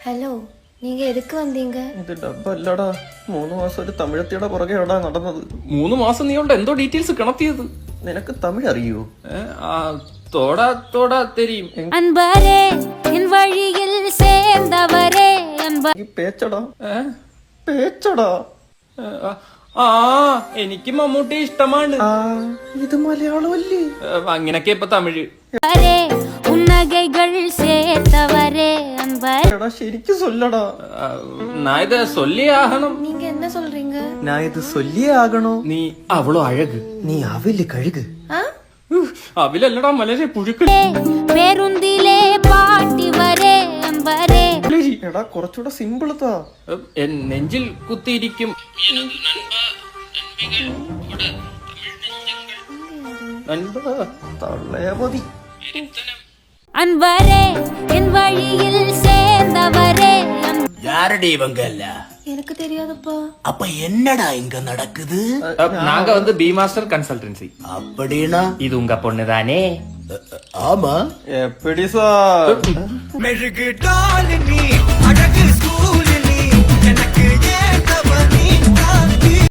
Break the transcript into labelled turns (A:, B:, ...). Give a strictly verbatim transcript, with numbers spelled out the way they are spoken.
A: Hello, നീങ്ക എതുക്ക് വന്നീങ്ക?
B: ഇത് ഡബ്ബല്ലടാ, മൂന്ന് മാസം ഒരു തമിഴത്തിയുടെ പുറകെ എവിടാ നടന്നത്.
C: മൂന്ന് മാസം നീ കൊണ്ട് എന്തോ ഡീറ്റെയിൽസ് കിണത്തിയത്.
B: നിനക്ക് തമിഴ് അറിയോ?
C: തോടാ തോടാ തെരിയും.
D: അൻപരേ എൻ വഴിയിൽ ചേർന്നവരേ
B: ഈ പേച്ചടാ പേച്ചടാ.
C: ആ എനിക്ക് മമ്മൂട്ടി ഇഷ്ടമാണ്.
B: ഇത് മലയാളമല്ലേ?
C: അങ്ങനൊക്കെ ഇപ്പൊ തമിഴ്.
D: ഉന്നകൈകൾ ചേർത്തവരേ
B: എടാ ശരിക്കും സൊല്ലടാ.
C: நான் இத சொல்லி ஆகணும்.
A: நீங்க என்ன சொல்றீங்க?
B: நான் இது சொல்லியே ஆகணும்.
C: நீ அவ்வளோ அழகு.
B: നീ അവില് കഴുക്.
C: അവിലല്ലടാ മലരെ പുഴുക്ക്.
D: പേരുന്തിലേ പാട്ടി വരേ അമ്പരേ.
B: എടാ കുറച്ചുകൂടെ സിമ്പിൾ താ.
C: എൻ നെഞ്ചിൽ കുത്തിയിരിക്കും.
B: തള്ളേമതി.
D: அன்பரே என் வழியில் சேர்ந்தவரே.
E: யாரடி இவங்க இல்ல?
A: எனக்கு தெரியாதுப்பா.
E: அப்ப என்னடா இங்க நடக்குது?
C: நாங்க வந்து பி மாஸ்டர் கன்சல்டன்சி.
E: அப்படின்னா
C: இது உங்க பொண்ணுதானே?
E: ஆமா.
B: എപ്പിടി സാർ?
E: மெழுகு டாலினி